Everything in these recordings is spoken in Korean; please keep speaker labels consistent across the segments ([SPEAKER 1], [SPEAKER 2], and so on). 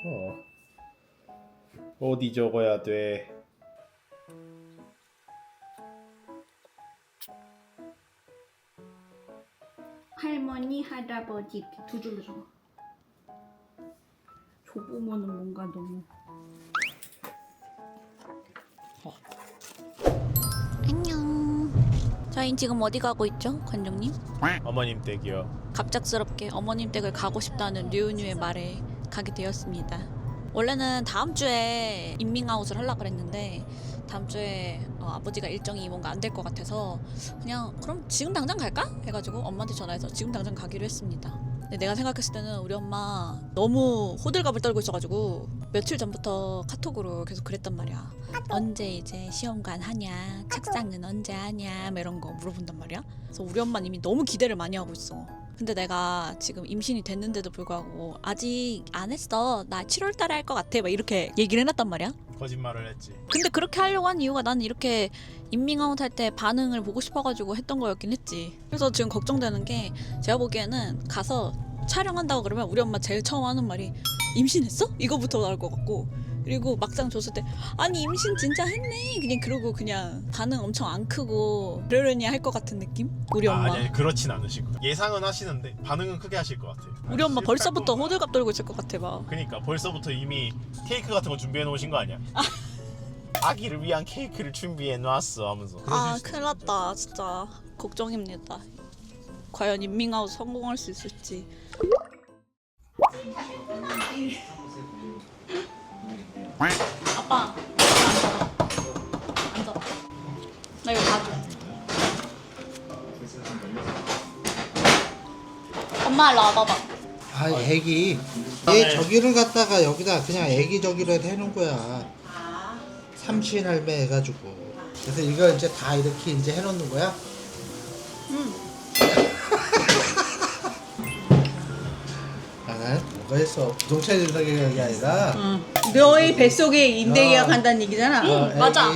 [SPEAKER 1] 어디 적어야 돼?
[SPEAKER 2] 할머니, 할아버지 두 줄로 적어. 조부모는 뭔가 너무.
[SPEAKER 3] 안녕. 저희 지금 어디 가고 있죠, 관장님?
[SPEAKER 1] 어머님 댁이요.
[SPEAKER 3] 갑작스럽게 어머님 댁을 가고 싶다는 류은유의 말에 가게 되었습니다. 원래는 다음 주에 인밍아웃을 하려고 그랬는데 다음 주에 아버지가 일정이 뭔가 안 될 것 같아서 그냥 그럼 지금 당장 갈까? 해가지고 엄마한테 전화해서 지금 당장 가기로 했습니다. 근데 내가 생각했을 때는 우리 엄마 너무 호들갑을 떨고 있어가지고 며칠 전부터 카톡으로 계속 그랬단 말이야. 언제 이제 시험관 하냐, 책상은 언제 하냐, 뭐 이런 거 물어본단 말이야. 그래서 우리 엄마는 이미 너무 기대를 많이 하고 있어. 근데 내가 지금 임신이 됐는데도 불구하고 아직 안 했어, 나 7월 달에 할 것 같아, 막 이렇게 얘기를 해놨단 말이야.
[SPEAKER 1] 거짓말을 했지.
[SPEAKER 3] 근데 그렇게 하려고 한 이유가 나는 이렇게 인밍아웃 할 때 반응을 보고 싶어가지고 했던 거였긴 했지. 그래서 지금 걱정되는 게, 제가 보기에는 가서 촬영한다고 그러면 우리 엄마 제일 처음 하는 말이 임신했어? 이거부터 나올 것 같고, 그리고 막상 줬을 때 아니 임신 진짜 했네 그냥 그러고 그냥 반응 엄청 안 크고 그러려니 할 것 같은 느낌? 우리 엄마.
[SPEAKER 1] 아니 그렇진 않으실 거야. 예상은 하시는데 반응은 크게 하실 것 같아요.
[SPEAKER 3] 우리 엄마 벌써부터 호들갑 떨고 있을 것 같아 봐.
[SPEAKER 1] 그러니까 벌써부터 이미 케이크 같은 거 준비해 놓으신 거 아니야? 아기를 위한 케이크를 준비해 놨어 하면서.
[SPEAKER 3] 아 큰일 났다 진짜. 걱정입니다. 과연 인밍아웃 성공할 수 있을지. 아빠 앉아. 나 이거 봐줘. 엄마 일로 와봐봐.
[SPEAKER 4] 아, 애기. 얘 저기를 갖다가 여기다 그냥 애기 저기로 해놓은 거야. 삼신 할매 해가지고. 그래서 이거 이제 다 이렇게 이제 해놓는 거야? 아, 뭐가 했어? 부동산 인사계약이 아니라.
[SPEAKER 5] 너의 뱃속에 임대 계약한다는 얘기잖아.
[SPEAKER 3] 맞아.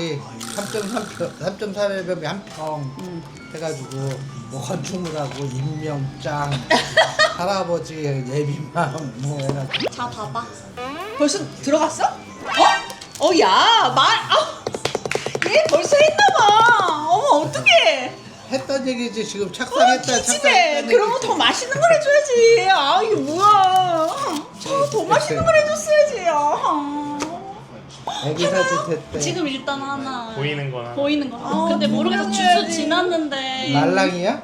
[SPEAKER 4] 3.3평에 한 평 해가지고 뭐 건축물하고 임명장 할아버지 예비맘 뭐 해가지고.
[SPEAKER 3] 자 봐봐.
[SPEAKER 5] 벌써 들어갔어? 얘 벌써 했나봐. 어머, 어떡해.
[SPEAKER 4] 했던 얘기지. 지금 착상했다.
[SPEAKER 5] 집에 그러면 더 맛있는 걸 해줘야지. 아, 이게 뭐야. 더 맛있는 걸 해줬어야지.
[SPEAKER 4] 애기 사진 됐대.
[SPEAKER 3] 지금 일단 하나
[SPEAKER 1] 보이는 거나.
[SPEAKER 3] 보이는 거. 근데 모르겠어. 주스
[SPEAKER 5] 해야지.
[SPEAKER 3] 지났는데.
[SPEAKER 4] 말랑이야?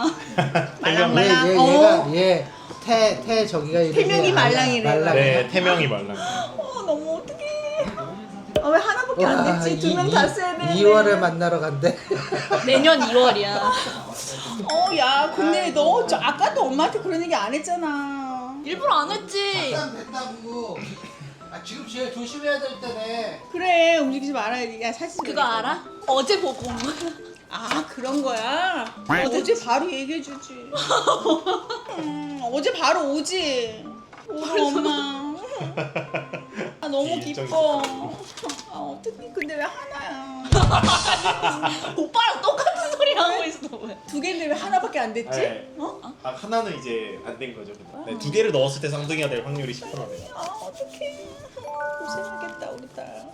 [SPEAKER 5] 말랑.
[SPEAKER 4] 얘 저기가 이름이
[SPEAKER 5] 태명이 말랑이래.
[SPEAKER 1] 네, 태명이 말랑.
[SPEAKER 5] 너무 어떡해. 왜 하나밖에 안 됐지? 두 명 다 써야 되는데.
[SPEAKER 4] 2월에 만나러 간대.
[SPEAKER 3] 내년 2월이야.
[SPEAKER 5] 야, 근데 너 아까도 엄마한테 그런 얘기 안 했잖아.
[SPEAKER 3] 일부러 안 했지.
[SPEAKER 4] 됐다고. 지금 제일 조심해야 될 때네.
[SPEAKER 5] 그래, 움직이지 말아야지. 야, 사진
[SPEAKER 3] 그거 알아? 어제 보고 온 거야.
[SPEAKER 5] 아, 그런 거야? 어제 바로 얘기해주지. 어제 바로 오지. 우리 엄마. 너무 기뻐. 어떡해. 근데 왜 하나야?
[SPEAKER 3] 오빠랑 똑같은 소리 하고 있어. 왜?
[SPEAKER 5] 두 개인데 왜 하나밖에 안 됐지?
[SPEAKER 1] 네. 하나는 이제 안 된 거죠. 네, 두 개를 넣었을 때 쌍둥이가 될 확률이 10%네요.
[SPEAKER 5] 어떡해. 고생하겠다, 우리 딸.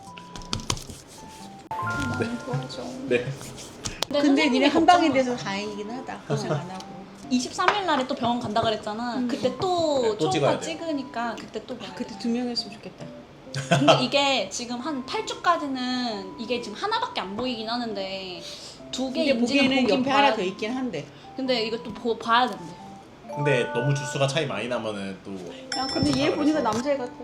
[SPEAKER 5] 도와줘.
[SPEAKER 1] 네.
[SPEAKER 5] 근데 니네 한 방에 돼서 다행이긴 하다. 고생 안 하고.
[SPEAKER 3] 23일 날에 또 병원 간다 그랬잖아. 그때 또
[SPEAKER 1] 네, 또 찍어야
[SPEAKER 3] 초음파
[SPEAKER 1] 돼.
[SPEAKER 3] 찍으니까 그때 또 봐야 돼.
[SPEAKER 5] 그때 두 명이었으면 좋겠다.
[SPEAKER 3] 근데 이게 지금 한 8주까지는 이게 지금 하나밖에 안 보이긴 하는데 두 개
[SPEAKER 5] 근데
[SPEAKER 3] 인지는
[SPEAKER 5] 보기에는
[SPEAKER 3] 보긴
[SPEAKER 5] 옆에
[SPEAKER 3] 봐야
[SPEAKER 5] 하나 더
[SPEAKER 3] 돼.
[SPEAKER 5] 있긴 한데.
[SPEAKER 3] 근데 이것도 봐야 된대.
[SPEAKER 1] 근데 너무 주수가 차이 많이 나면은 또.
[SPEAKER 5] 야, 근데 얘 보니까 남자애 같아.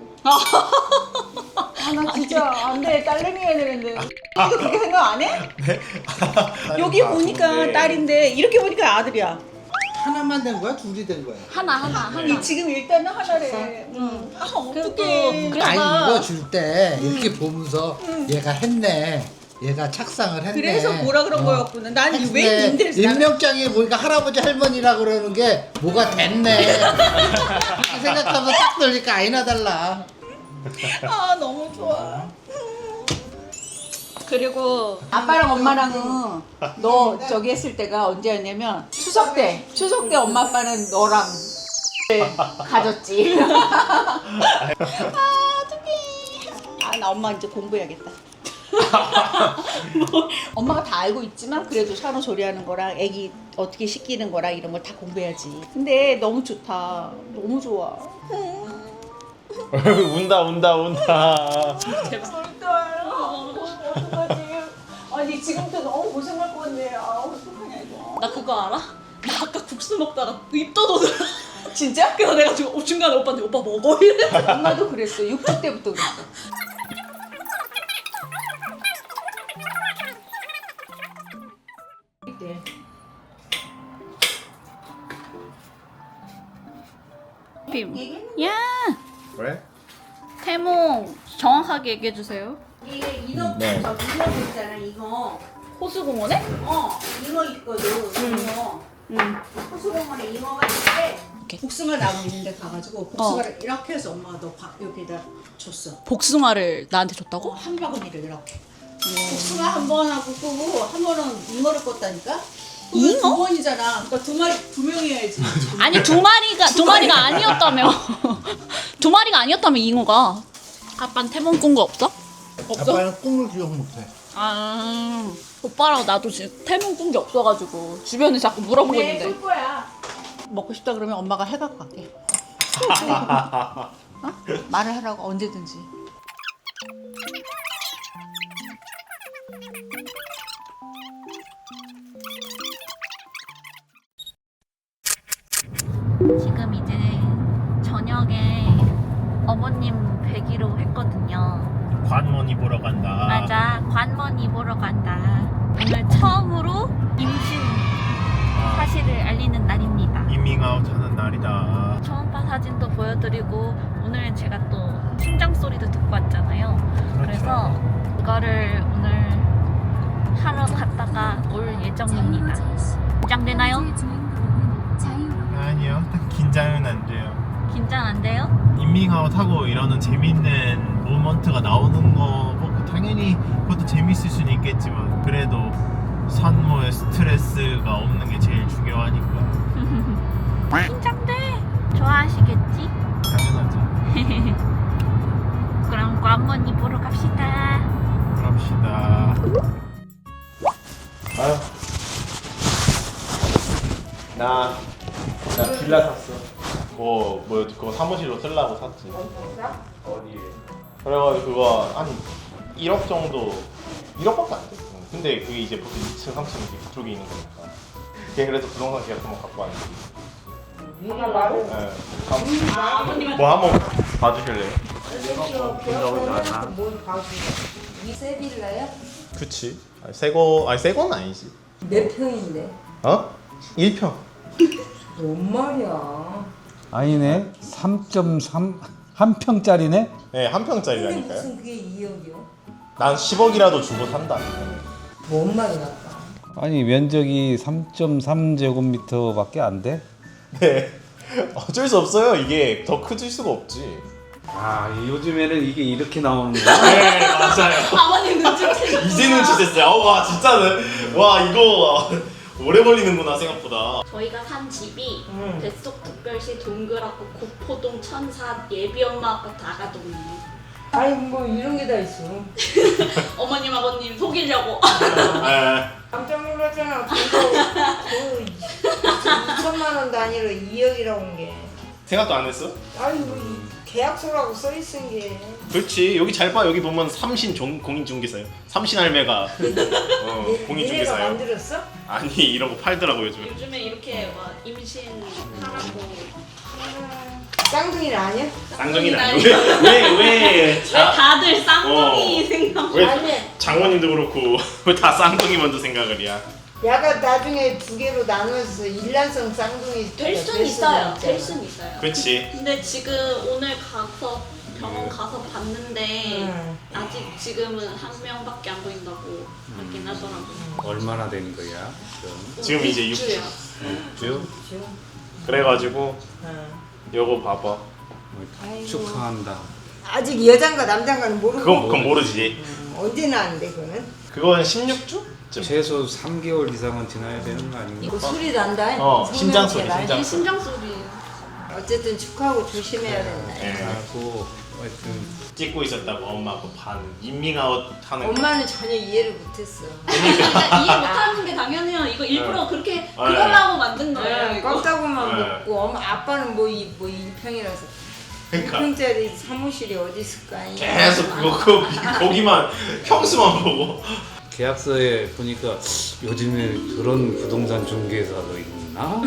[SPEAKER 5] 나 진짜 안 돼. 딸내미 해야 되는데. 이거 그렇게 생각 안 해? 여기 보니까 딸인데 이렇게 보니까 아들이야.
[SPEAKER 4] 하나만 된 거야? 둘이 된 거야?
[SPEAKER 3] 하나.
[SPEAKER 5] 이 지금 일단은 하나래. 응. 아,
[SPEAKER 3] 그래도
[SPEAKER 5] 어떡해.
[SPEAKER 3] 그래서
[SPEAKER 4] 아니
[SPEAKER 3] 나-
[SPEAKER 4] 이거 줄 때 이렇게 보면서 얘가 했네. 얘가 착상을 했네.
[SPEAKER 5] 그래서 뭐라 그런 거였구나. 난 왜 임대를
[SPEAKER 4] 임명장에 보니까 할아버지 할머니라 그러는 게 뭐가 됐네. 이렇게 생각하면서 딱 들니까 아니나 달라.
[SPEAKER 5] 너무 좋아.
[SPEAKER 3] 그리고
[SPEAKER 5] 아빠랑 엄마랑은 너 저기 했을 때가 언제였냐면 추석 때 엄마 아빠는 너랑 가졌지. 나 엄마 이제 공부해야겠다. 엄마가 다 알고 있지만 그래도 산후 조리하는 거랑 애기 어떻게 씻기는 거랑 이런 걸 다 공부해야지. 근데 너무 좋다. 너무 좋아.
[SPEAKER 1] 운다.
[SPEAKER 5] 어떡하지? 아니 지금부터 너무 고생할 것 같네. 아 어떡하냐 이거.
[SPEAKER 3] 나 그거 알아? 나 아까 국수 먹다가 입 떠도더라.
[SPEAKER 5] 진짜?
[SPEAKER 3] 그래서 내가 지금 중간에 오빠한테 오빠 먹어 이래.
[SPEAKER 5] 엄마도 그랬어. 6주 때부터 그랬어. 네.
[SPEAKER 3] 야,
[SPEAKER 1] 왜?
[SPEAKER 3] 태몽 정확하게 얘기해 주세요.
[SPEAKER 2] 이게 인어
[SPEAKER 1] 네.
[SPEAKER 2] 저기 인어 있잖아 이거.
[SPEAKER 3] 호수공원에?
[SPEAKER 2] 잉어 있거든. 잉어. 호수공원에 잉어가 있는데
[SPEAKER 5] 복숭아 나무 있는데 가가지고 복숭아를 이렇게 해서 엄마가 너 여기다 줬어.
[SPEAKER 3] 복숭아를 나한테 줬다고?
[SPEAKER 5] 한 바구니를 이렇게. 복숭아 한 번 하고 끄고 한 번은 잉어를 껐다니까.
[SPEAKER 3] 잉어?
[SPEAKER 5] 두 번이잖아. 그러니까 두 명이 해야지.
[SPEAKER 3] 아니 두 마리가 아니었다며. 두 마리가 아니었다며 잉어가. 아빠는 태몽 꾼 거 없어? 없어?
[SPEAKER 4] 아빠는 꿈을 기억 못해.
[SPEAKER 3] 아 오빠랑 나도 지금 태몽 꾼 게 없어가지고 주변에 자꾸 물어보고 있는데.
[SPEAKER 2] 꿀 거야.
[SPEAKER 5] 먹고 싶다 그러면 엄마가 해갖고 갈게. 어? 말을 하라고 언제든지.
[SPEAKER 3] 지금 이제 저녁에 어머님 뵈기로 했거든요.
[SPEAKER 1] 관원이 보러 간다.
[SPEAKER 3] 맞아, 관먼이 보러 간다. 오늘 처음으로 임신 사실을 알리는 날입니다.
[SPEAKER 1] 이밍아웃 하는 날이다.
[SPEAKER 3] 초음파 사진도 보여드리고 오늘 제가 또 심장 소리도 듣고 왔잖아요. 그래서 이거를 오늘 하러 갔다가 올 예정입니다. 긴장되나요?
[SPEAKER 1] 아니요, 긴장은 안 돼요.
[SPEAKER 3] 긴장 안 돼요?
[SPEAKER 1] 이밍아웃 하고 이러는 재밌는 모먼트가 나오는 거 뭐 당연히 그것도 재밌을 수는 있겠지만 그래도 산모의 스트레스가 없는 게 제일 중요하니까.
[SPEAKER 3] 긴장돼. 좋아하시겠지?
[SPEAKER 1] 당연하죠.
[SPEAKER 3] 그럼 관먼이 보러 갑시다.
[SPEAKER 1] 그럽시다. 아유. 나 빌라 샀어. 뭐 그거 사무실로 쓰려고 샀지. 어디에? 그래가지고 그거 한 1억 정도, 1억밖에 안 돼. 근데 그게 이제 보통 2층, 3층 이렇게 그쪽에 있는 거니까. 그래서 부동산 계약 한번 갖고 왔는데. 네. 뭐 한번 봐주실래요?
[SPEAKER 6] 세빌라야?
[SPEAKER 1] 그치. 새 거는 아니지.
[SPEAKER 6] 몇 평인데?
[SPEAKER 1] 어? 1평.
[SPEAKER 6] 뭔 말이야?
[SPEAKER 7] 아니네. 3.3 한 평짜리네.
[SPEAKER 1] 네, 한
[SPEAKER 6] 근데
[SPEAKER 1] 평짜리라니까요.
[SPEAKER 6] 무슨 그게 2억이요?
[SPEAKER 1] 난 10억이라도 주고 산다.
[SPEAKER 6] 뭔 말이야?
[SPEAKER 7] 아니 면적이 3.3제곱미터밖에 안 돼.
[SPEAKER 1] 네. 어쩔 수 없어요. 이게 더 커질 수가 없지.
[SPEAKER 7] 아 요즘에는 이게 이렇게 나오는 거야?
[SPEAKER 1] 네, 맞아요.
[SPEAKER 3] 아버님 눈치채셨구나.
[SPEAKER 1] 이제 눈치챘어요. 와, 진짜는. 와, 이거 오래 걸리는구나, 생각보다.
[SPEAKER 3] 저희가 산 집이 뱃속특별시 동그랗고 구포동 천사 예비엄마 아파트 아가동이에요.
[SPEAKER 6] 아니 뭐 이런 게 다 있어.
[SPEAKER 3] 어머님 아버님 속이려고.
[SPEAKER 1] 네.
[SPEAKER 6] 깜짝 놀랐잖아. 그거 2천만 원도 아니라 2억이라고 한 게.
[SPEAKER 1] 생각도 안 했어?
[SPEAKER 6] 아니 뭐 계약서라고 써 있은 게.
[SPEAKER 1] 그렇지. 여기 잘 봐. 여기 보면 삼신 공인중개사요. 삼신 할매가
[SPEAKER 6] 니네가
[SPEAKER 1] 공인중개사요.
[SPEAKER 6] 만들었어?
[SPEAKER 1] 아니, 이런 거 팔더라고 요즘.
[SPEAKER 3] 요즘에 이렇게 막 임신하라고.
[SPEAKER 6] 쌍둥이는 아니야?
[SPEAKER 1] 쌍둥이는 아니고. 왜
[SPEAKER 3] 다들 쌍둥이
[SPEAKER 1] 어.
[SPEAKER 3] 생각.
[SPEAKER 1] 왜
[SPEAKER 6] 아니.
[SPEAKER 1] 장모님도 그렇고 왜 다 쌍둥이 먼저 생각을 해야?
[SPEAKER 6] 야가 나중에 두 개로 나눠서 일란성 쌍둥이
[SPEAKER 3] 될 순
[SPEAKER 6] 될
[SPEAKER 3] 있어요.
[SPEAKER 6] 수는
[SPEAKER 3] 될
[SPEAKER 6] 있잖아.
[SPEAKER 3] 순 있어요.
[SPEAKER 1] 그렇지.
[SPEAKER 3] 근데 지금 오늘 가서 병원 가서 봤는데
[SPEAKER 6] 응.
[SPEAKER 3] 아직 지금은 한 명밖에 안 보인다고 하긴 하더라고요.
[SPEAKER 7] 얼마나 된 거야?
[SPEAKER 1] 지금 이제
[SPEAKER 3] 6주요.
[SPEAKER 7] 6주?
[SPEAKER 1] 그래가지고
[SPEAKER 6] 응.
[SPEAKER 1] 요거 봐봐.
[SPEAKER 7] 축하한다.
[SPEAKER 6] 아직 여잔가 남잔가는 모르고.
[SPEAKER 1] 그건 모르지.
[SPEAKER 6] 언제 나는데 그거는?
[SPEAKER 1] 그건 16주?
[SPEAKER 7] 최소 3개월 이상은 지나야 되는 거 아닌가?
[SPEAKER 6] 이거 소리 난다.
[SPEAKER 1] 심장 소리,
[SPEAKER 6] 성명체라.
[SPEAKER 1] 심장 소리.
[SPEAKER 3] 심장 소리예요.
[SPEAKER 6] 어쨌든 축하하고 조심해야 된다.
[SPEAKER 1] 예.
[SPEAKER 7] 하고 하여튼
[SPEAKER 1] 찍고 있었다고 엄마 그 반 인밍아웃 하는 거.
[SPEAKER 6] 엄마는 전혀 이해를 못했어.
[SPEAKER 3] 그러니까 이해 못하는 게 당연해요. 이거 일부러 그렇게 그거라고 만든 거예요. 이거.
[SPEAKER 6] 껍다구만
[SPEAKER 1] 네.
[SPEAKER 6] 먹고 엄마 아빠는 뭐 1평이라서
[SPEAKER 1] 그러니까
[SPEAKER 6] 1평짜리 사무실이 어디 있을까?
[SPEAKER 1] 계속 거기만 평수만 보고.
[SPEAKER 7] 계약서에 보니까 요즘에 그런 부동산 중개사도 있나?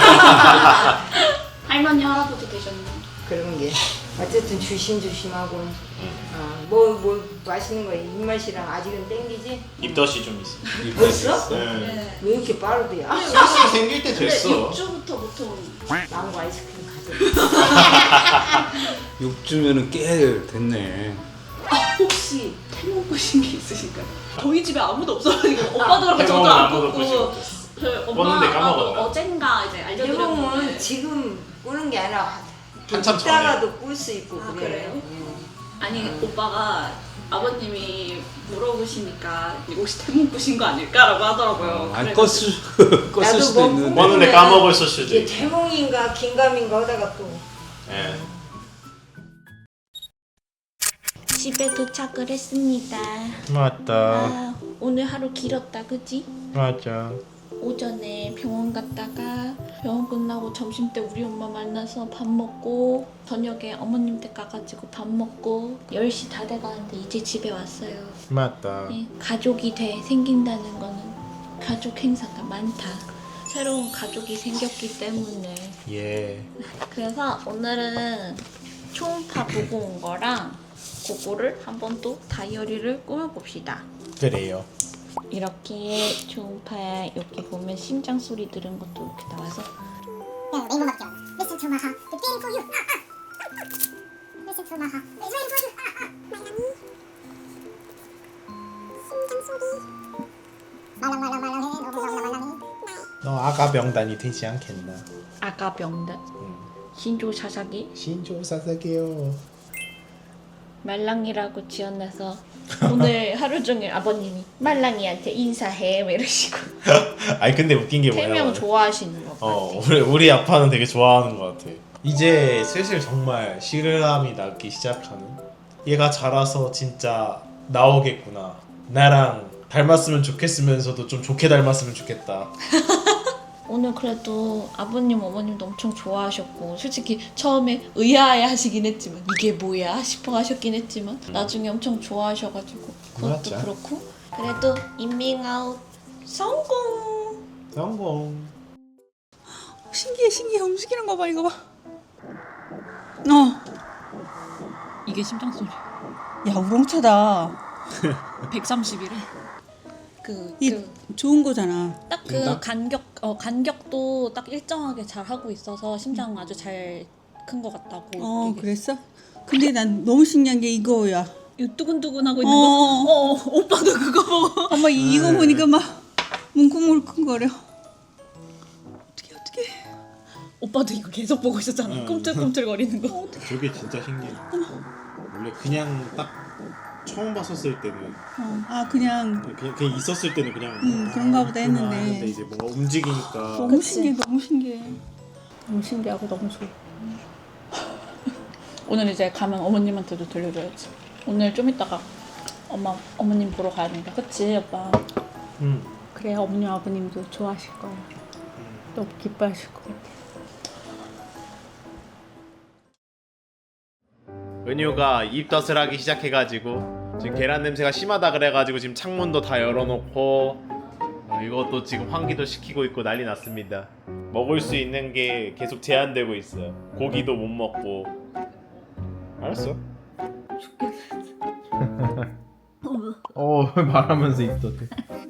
[SPEAKER 3] 할머니 할아버지 되셨나요?
[SPEAKER 6] 그런 게 어쨌든 조심조심하고 뭐 맛있는 거 입맛이랑 아직은 땡기지?
[SPEAKER 1] 입덧이 좀 있어.
[SPEAKER 6] 벌써?
[SPEAKER 1] 네.
[SPEAKER 6] 왜 이렇게 빠르대야?
[SPEAKER 1] 사실 생길 때 됐어.
[SPEAKER 3] 6주부터 보통
[SPEAKER 6] 망고 아이스크림 가져.
[SPEAKER 7] 6주면은 꽤 됐네.
[SPEAKER 3] 혹시 태몽 보신 게 있으신가요? 저희 집에 아무도 없어가지고 오빠도 그렇고 저도
[SPEAKER 1] 태몽은
[SPEAKER 3] 안
[SPEAKER 1] 아무도 보지
[SPEAKER 3] 꽂고
[SPEAKER 1] 못했어.
[SPEAKER 3] 저희
[SPEAKER 1] 꿨는데
[SPEAKER 3] 엄마도
[SPEAKER 1] 까먹었나?
[SPEAKER 3] 어젠가 이제
[SPEAKER 6] 대부분
[SPEAKER 3] 알려드렸는데
[SPEAKER 6] 지금 꾸는 게 아니라
[SPEAKER 1] 한참 전에.
[SPEAKER 6] 이따가도 꿀 수 있고
[SPEAKER 3] 아,
[SPEAKER 6] 그래요.
[SPEAKER 3] 그래요? 아니 오빠가 아버님이 물어보시니까 혹시 태몽 꾸신 거 아닐까라고 하더라고요.
[SPEAKER 7] 아니
[SPEAKER 3] 그래서
[SPEAKER 7] 껐을
[SPEAKER 6] 나도
[SPEAKER 7] 수도
[SPEAKER 6] 뭐
[SPEAKER 7] 있는데.
[SPEAKER 1] 꿨는데 까먹었을 수도
[SPEAKER 6] 이게
[SPEAKER 1] 있고.
[SPEAKER 6] 태몽인가 긴가민가 하다가 또
[SPEAKER 1] 예.
[SPEAKER 3] 집에 도착을 했습니다.
[SPEAKER 1] 맞다.
[SPEAKER 3] 아, 오늘 하루 길었다, 그지?
[SPEAKER 1] 맞아.
[SPEAKER 3] 오전에 병원 갔다가 병원 끝나고 점심 때 우리 엄마 만나서 밥 먹고 저녁에 어머님 댁 가가지고 밥 먹고 10시 다 돼가는데 이제 집에 왔어요.
[SPEAKER 1] 맞다.
[SPEAKER 3] 네, 가족이 생긴다는 거는 가족 행사가 많다. 새로운 가족이 생겼기 때문에
[SPEAKER 1] 예.
[SPEAKER 3] 그래서 오늘은 초음파 보고 온 거랑 그거를 한번 또 다이어리를 꾸며봅시다.
[SPEAKER 1] 그래요.
[SPEAKER 3] 이렇게 초음파 여기 보면 심장 소리 들은 것도 이렇게 나와서
[SPEAKER 8] 레인보우 막혀. Listen to my heart, it's beating for you. Listen to my heart, it's waiting for you. 말랑이. 심장 소리. 말랑말랑말랑해. 너무 말랑말랑해.
[SPEAKER 1] 너 아가 병단이 되지 않겠나?
[SPEAKER 3] 아가 병단 신조 사사기
[SPEAKER 1] 신조 사사게요.
[SPEAKER 3] 말랑이라고 지어놔서 오늘 하루 종일 아버님이 말랑이한테 인사해 뭐 이러시고
[SPEAKER 1] 아니 근데 웃긴 게
[SPEAKER 3] 태명
[SPEAKER 1] 뭐냐면
[SPEAKER 3] 좋아하시는 것 같아.
[SPEAKER 1] 우리 아빠는 되게 좋아하는 것 같아. 이제 슬슬 정말 실감이 나기 시작하는. 얘가 자라서 진짜 나오겠구나. 나랑 닮았으면 좋겠으면서도 좀 좋게 닮았으면 좋겠다.
[SPEAKER 3] 오늘 그래도 아버님 어머님도 엄청 좋아하셨고 솔직히 처음에 의아해 하시긴 했지만 이게 뭐야 싶어 하셨긴 했지만 나중에 엄청 좋아하셔가지고 그것도
[SPEAKER 1] 맞아.
[SPEAKER 3] 그렇고 그래도 인밍아웃 성공.
[SPEAKER 1] 성공.
[SPEAKER 5] 신기해 움직이는 거 봐 이거 봐.
[SPEAKER 3] 이게 심장 소리.
[SPEAKER 5] 야 우렁차다.
[SPEAKER 3] 130이래.
[SPEAKER 5] 이 좋은 거잖아.
[SPEAKER 3] 딱 그 간격도 딱 일정하게 잘 하고 있어서 심장 아주 잘 큰 것 같다고. 얘기했어.
[SPEAKER 5] 그랬어? 근데 난 너무 신기한 게 이거야.
[SPEAKER 3] 이 두근두근 하고 있는 거. 오빠도 그거 보고.
[SPEAKER 5] 엄마 이거 보니까 막 뭉클뭉클거려. 어떡해.
[SPEAKER 3] 오빠도 이거 계속 보고 있었잖아. 꿈틀꿈틀거리는 거.
[SPEAKER 1] 저게 진짜 신기해. 원래 그냥 딱 처음 봤었을 때는
[SPEAKER 5] 그냥
[SPEAKER 1] 그냥 있었을 때는 그냥
[SPEAKER 5] 그런가 보다 했는데.
[SPEAKER 1] 근데 이제 뭔가 움직이니까
[SPEAKER 5] 너무 신기해. 너무 신기하고 너무 좋아.
[SPEAKER 3] 오늘 이제 가면 어머님한테도 들려줘야지. 오늘 좀 이따가 어머님 보러 가야 된다. 그치 오빠?
[SPEAKER 5] 그래야 어머님 아버님도 좋아하실 거야. 너무 기뻐하실 것 같아.
[SPEAKER 1] 은유가 입덧을 하기 시작해가지고 지금 계란 냄새가 심하다 그래가지고 지금 창문도 다 열어놓고 이것도 지금 환기도 시키고 있고 난리 났습니다. 먹을 수 있는 게 계속 제한되고 있어요. 고기도 못 먹고. 알았어. 말하면서 입덧해.